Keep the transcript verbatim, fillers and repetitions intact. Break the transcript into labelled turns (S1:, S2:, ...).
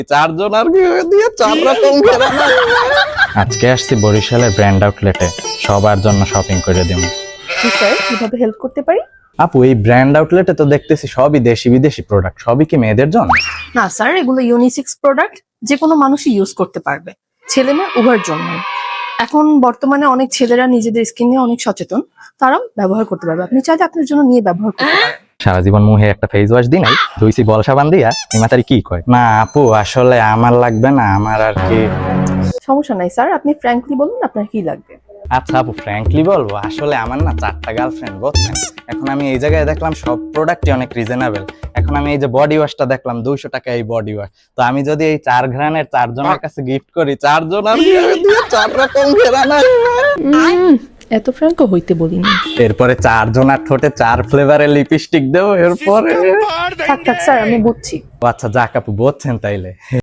S1: চারজন আর কি দিয়ে চার রকম ঘেরানা। আজকে আসছি বরিশালের ব্র্যান্ড আউটলেটে, সবার জন্য শপিং করে দিব।
S2: জি স্যার, কিভাবে হেল্প করতে পারি?
S1: আপু, এই ব্র্যান্ড আউটলেটে তো দেখতেছি সবই দেশি বিদেশি প্রোডাক্ট, সবই কি মেয়েদের জন্য?
S2: না স্যার, এগুলো ইউনিসেক্স প্রোডাক্ট, যে কোনো মানুষই ইউজ করতে পারবে, ছেলে মেয়ে উভয়ের জন্য। এখন বর্তমানে অনেক ছেলেরা নিজেদের স্কিন নিয়ে অনেক সচেতন, তারাও ব্যবহার করতে পারবে। আপনি চাইলে আপনার জন্য নিয়ে ব্যবহার করতে পারেন।
S1: সারা জীবন মুহে একটা ফেস ওয়াশ দিই নাই, ধুইছি বল সাবান দিয়া, নিমাতারি কি কয়? না আপু, আসলে আমার লাগবে না, আমার আর কি।
S2: সমস্যা নাই স্যার, আপনি ফ্র্যাঙ্কলি বলুন আপনার কি লাগবে।
S1: আচ্ছা আপু, ফ্র্যাঙ্কলি বলবো, আসলে আমার না চারটা গার্লফ্রেন্ড, বুঝছেন? এখন আমি এই জায়গায় দেখলাম সব প্রোডাক্টই অনেক রিজনেবল। এখন আমি এই যে বডি ওয়াশটা দেখলাম দুইশো টাকা এই বডি ওয়াশ, তো আমি যদি এই চার ঘ্রাণের চারজনের কাছে গিফট করি, চারজন আর কি দিয়ে চার রকম ঘেরানা।
S2: এত ফ্র্যাঙ্কও হইতে বলিনি।
S1: এরপরে চারজন আর ঠোঁটে চার ফ্লেভারের লিপস্টিক দেবো, এরপরে
S2: থাক থাক স্যার, আমি বুঝছি।
S1: ও আচ্ছা, যাক আপু, বুঝছেন তাইলে।